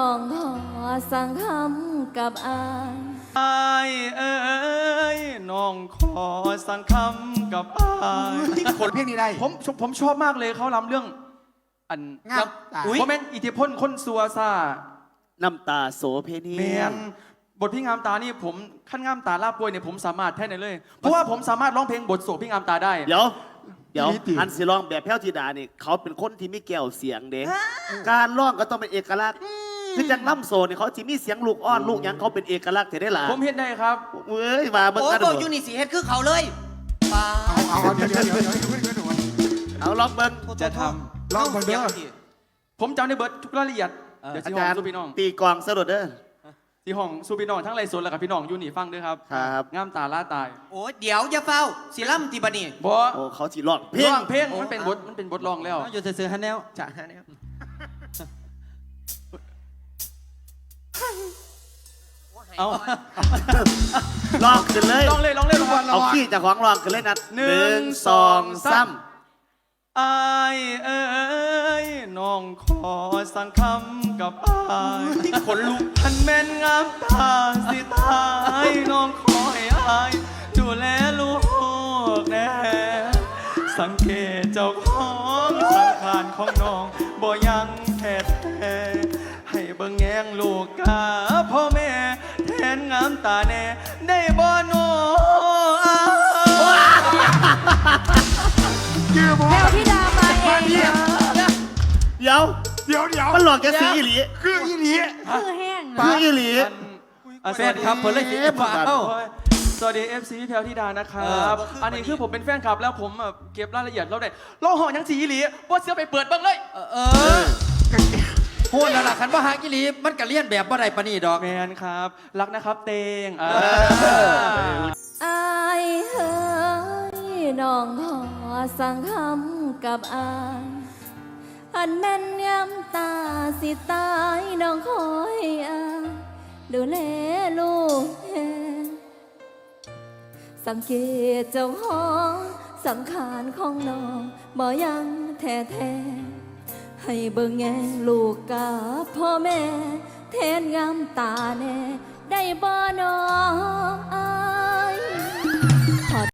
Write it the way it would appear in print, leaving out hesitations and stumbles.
องขอสั่งคำกับอายอายเอ้ยน้องขอสั่งคำกับอายคนเพลงนี้ได้ผมชอบมากเลยเขาล้ำเรื่องอันงามตาเพราะแม่นอิทธิพลคนซัวซ่าน้ำตาโสเพณีแมนบทพี่งามตานี่ผมขั้นงามตาลาบป่วยเนี่ยผมสามารถแท้ไหนเลย เพราะว่าผมสามารถร้องเพลงบทโศกพี่งามตาได้เดี๋ยวอันสิร้องแบบแพ้วธิดาเนี่ยเขาเป็นคนที่มีแก้วเสียงเด้การร้องก็ต้องเป็นเอกลักษณ์คือจังล่ำโซเนี่ยเขาจะมีเสียงลูกอ้อนลูกยังเขาเป็นเอกลักษณ์ได้หรอผมเห็นได้ครับเว้ยมาเบิ่งกันโอ้โหยูนิสีเฮ็ดคือเขาเลยป้าเอาเดี๋ยวเอาลองเบิ่งจะทำลองก่อนเด้อผมจำได้เบิร์ดทุกรายละเอียดเดี๋ยวอาที่ห้จาองรย์สู้พี่น้องตีกลองสะดุดเด้อที่ห้องสู้พี่น้องทั้งไรสนและกับพี่น้องอยู่นี่ฟังด้วยครับครับงามตาล่าตายโอ้เดี๋ยวอย่าเฝ้าสิล่ำตีบัดนี้บอโอ้เขาสิร้องเพลงมันเป็นบทร้องแล้วอยู่ซื้อฮันแนวจ้ะฮันแนวเอาร้องขึ้นเลยร้องเลยเอาขี้จากของร้องขึ้นเลยนัด1 2 3 อายเอ้ยน้องขอสั่งคำกับอายคนลุกทันแม่นงามตาสิตายน้องขอให้อายดูแลลูกแน่สังเกตเจ้าของสังขารของน้องบ่ยังแท้ให้เบิ่งแยงลูกกาพ่อแม่แทนงามตาแน่ได้บ่โนแพรวธิดามาเองเดี๋ยวมันหลอกแกสีอีหลีคืออีหลีคือแห้งคืออีหลีแฟนครับเพิ่นเลยสิสวัสดี FC พี่แพรวธิดานะครับอันนี้คือผมเป็นแฟนคลับแล้วผมเก็บรายละเอียดแล้วได้เราห่อยังสีอีหลีว่าเสื้อไปเปิดเบิ่งเลยพูดแล้วล่ะคันว่าหากิลีมันก็เลียนแบบว่าไรปะนี่ดอกแมนครับรักนะครับเตงอายเฮ้ยน้องขอสั่งคำกับอายอันแม่นยำตาสิตายน้องคอยอายดูแลลูกแทนสังเกตเจ้าของสังขารของน้องบ่ยังแท้ให้เบิ่งแงลูกกับพ่อแม่แทนงามตาแน่ได้บ่น้อง